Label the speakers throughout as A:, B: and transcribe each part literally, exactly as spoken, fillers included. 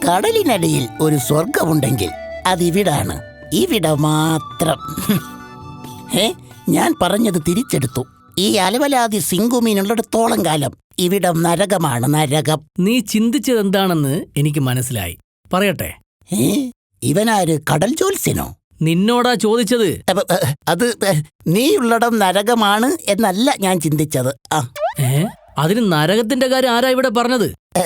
A: കടലിനടിയിൽ ഒരു സ്വർഗമുണ്ടെങ്കിൽ അതിവിടാണ്. ഇവിടെ മാത്രം. ഏ ഞാൻ പറഞ്ഞത് തിരിച്ചെടുത്തു. ഈ അലവലാതി സിംഗുമീനുള്ളിടത്തോളം കാലം ഇവിടം നരകമാണ്, നരകം.
B: നീ ചിന്തിച്ചതെന്താണെന്ന് എനിക്ക് മനസ്സിലായി. പറയട്ടെ.
A: ഏ ഇവനാര്, കടൽ ജ്യോത്സ്യനോ?
B: നിന്നോടാ ചോദിച്ചത്.
A: അത് നീയുള്ളിടം നരകമാണ് എന്നല്ല ഞാൻ ചിന്തിച്ചത്. ആ
B: ഏ അതിന് നരകത്തിന്റെ കാര്യം ആരാ ഇവിടെ പറഞ്ഞത്?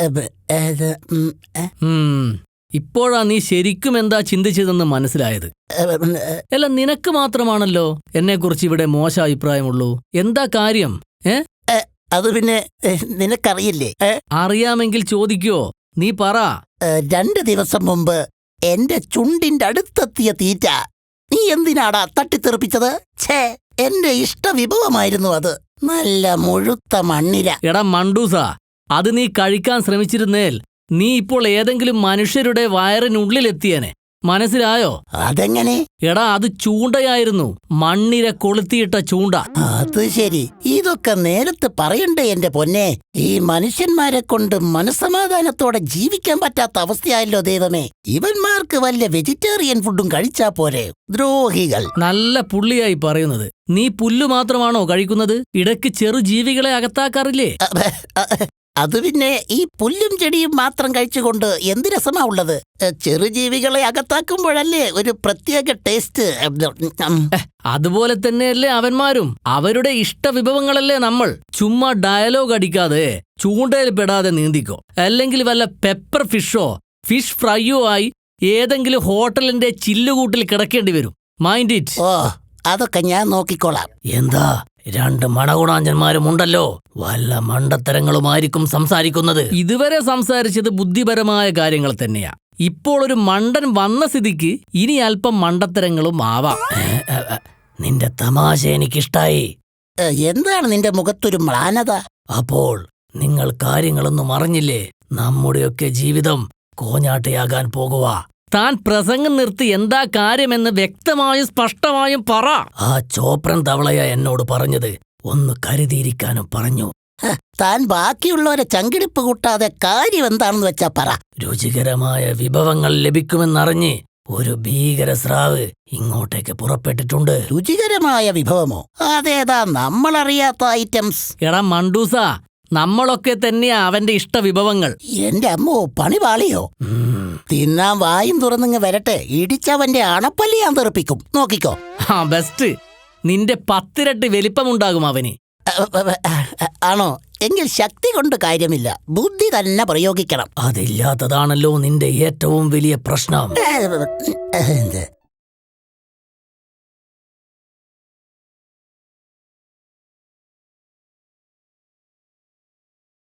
B: ഇപ്പോഴാ നീ ശരിക്കും എന്താ ചിന്തിച്ചതെന്ന് മനസ്സിലായത്. അല്ല, നിനക്ക് മാത്രമാണല്ലോ എന്നെക്കുറിച്ച് ഇവിടെ മോശ അഭിപ്രായമുള്ളൂ. എന്താ കാര്യം? ഏ
A: അത് പിന്നെ നിനക്കറിയില്ലേ?
B: അറിയാമെങ്കിൽ ചോദിക്കോ, നീ പറ.
A: രണ്ട് ദിവസം മുമ്പ് എന്റെ ചുണ്ടിന്റെ അടുത്തെത്തിയ തീറ്റ നീ എന്തിനാടാ തട്ടിത്തെറിപ്പിച്ചത്? ഛേ, എന്റെ ഇഷ്ടവിഭവമായിരുന്നു അത്. നല്ല മുഴുത്ത മണ്ണിര.
B: എടാ മണ്ടൂസ, അത് നീ കഴിക്കാൻ ശ്രമിച്ചിരുന്നേൽ നീ ഇപ്പോൾ ഏതെങ്കിലും മനുഷ്യരുടെ വയറിനുള്ളിലെത്തിയേനെ. മനസ്സിലായോ?
A: അതെങ്ങനെ?
B: എടാ, അത് ചൂണ്ടയായിരുന്നു. മണ്ണിര കൊളുത്തിയിട്ട ചൂണ്ട.
A: അത് ശരി. ഇതൊക്കെ നേരത്തെ പറയണ്ടേ എന്റെ പൊന്നെ. ഈ മനുഷ്യന്മാരെ കൊണ്ട് മനസ്സമാധാനത്തോടെ ജീവിക്കാൻ പറ്റാത്ത അവസ്ഥയായല്ലോ ദൈവമേ. ഇവന്മാർക്ക് വല്ല വെജിറ്റേറിയൻ ഫുഡും കഴിച്ചാ പോരെ. ദ്രോഹികൾ.
B: നല്ല പുള്ളിയായി പറയുന്നത്. നീ പുല്ലു മാത്രമാണോ കഴിക്കുന്നത്? ഇടയ്ക്ക് ചെറു ജീവികളെ അകത്താക്കാറില്ലേ?
A: അത് പിന്നെ ഈ പുല്ലും ചെടിയും മാത്രം കഴിച്ചുകൊണ്ട് എന്ത് രസമാ ഉള്ളത്? ചെറുജീവികളെ അകത്താക്കുമ്പോഴല്ലേ ഒരു പ്രത്യേക ടേസ്റ്റ്.
B: അതുപോലെ തന്നെയല്ലേ അവന്മാരും. അവരുടെ ഇഷ്ടവിഭവങ്ങളല്ലേ നമ്മൾ. ചുമ്മാ ഡയലോഗ് അടിക്കാതെ ചൂണ്ടയിൽ പെടാതെ നീന്തിക്കോ. അല്ലെങ്കിൽ വല്ല പെപ്പർ ഫിഷോ ഫിഷ് ഫ്രൈയോ ആയി ഏതെങ്കിലും ഹോട്ടലിന്റെ ചില്ലുകൂട്ടിൽ കിടക്കേണ്ടി വരും. Mind it.
A: ഓ, അതൊക്കെ ഞാൻ നോക്കിക്കോളാം.
B: എന്താ, രണ്ട് മണഗുണാഞ്ചന്മാരും ഉണ്ടല്ലോ. വല്ല മണ്ടത്തരങ്ങളുമായിരിക്കും സംസാരിക്കുന്നത്. ഇതുവരെ സംസാരിച്ചത് ബുദ്ധിപരമായ കാര്യങ്ങൾ തന്നെയാ. ഇപ്പോൾ ഒരു മണ്ടൻ വന്ന സ്ഥിതിക്ക് ഇനി അല്പം മണ്ടത്തരങ്ങളും ആവാം. നിന്റെ തമാശ എനിക്കിഷ്ടായി.
A: എന്താണ് നിന്റെ മുഖത്തൊരു മ്ലാനത?
B: അപ്പോൾ നിങ്ങൾ കാര്യങ്ങളൊന്നും അറിഞ്ഞില്ലേ? നമ്മുടെയൊക്കെ ജീവിതം കോഞ്ഞാട്ടയാകാൻ പോകുക. താൻ പ്രസംഗം നിർത്തി എന്താ കാര്യമെന്ന് വ്യക്തമായും സ്പഷ്ടമായും പറ. ആ ചോപ്രൻ തവളയ എന്നോട് പറഞ്ഞത് ഒന്ന് കരുതിയിരിക്കാനും പറഞ്ഞു.
A: താൻ ബാക്കിയുള്ളവരെ ചങ്കിടിപ്പ് കൂട്ടാതെ കാര്യം എന്താണെന്ന് വെച്ചാ പറ.
B: രുചികരമായ വിഭവങ്ങൾ ലഭിക്കുമെന്നറിഞ്ഞ് ഒരു ഭീകര സ്രാവ് ഇങ്ങോട്ടേക്ക് പുറപ്പെട്ടിട്ടുണ്ട്.
A: രുചികരമായ വിഭവമോ? അതേതാ നമ്മളറിയാത്ത ഐറ്റംസ്?
B: എടാ മണ്ടൂസ, നമ്മളൊക്കെ തന്നെയാ അവന്റെ ഇഷ്ടവിഭവങ്ങൾ.
A: എന്റെ അമ്മോ, പണി പാളിയോ? തിന്നാൻ വായും തുറന്നിങ്ങ് വരട്ടെ. ഇടിച്ചവന്റെ അണപ്പല്ലി ഞാൻ തെറിപ്പിക്കും. നോക്കിക്കോ.
B: ആ ബെസ്റ്റ്. നിന്റെ പത്തിരട്ടി വലിപ്പമുണ്ടാകും അവന്.
A: ആണോ? എങ്കിൽ ശക്തി കൊണ്ട് കാര്യമില്ല, ബുദ്ധി തന്നെ പ്രയോഗിക്കണം.
B: അതില്ലാത്തതാണല്ലോ നിന്റെ ഏറ്റവും വലിയ പ്രശ്നം.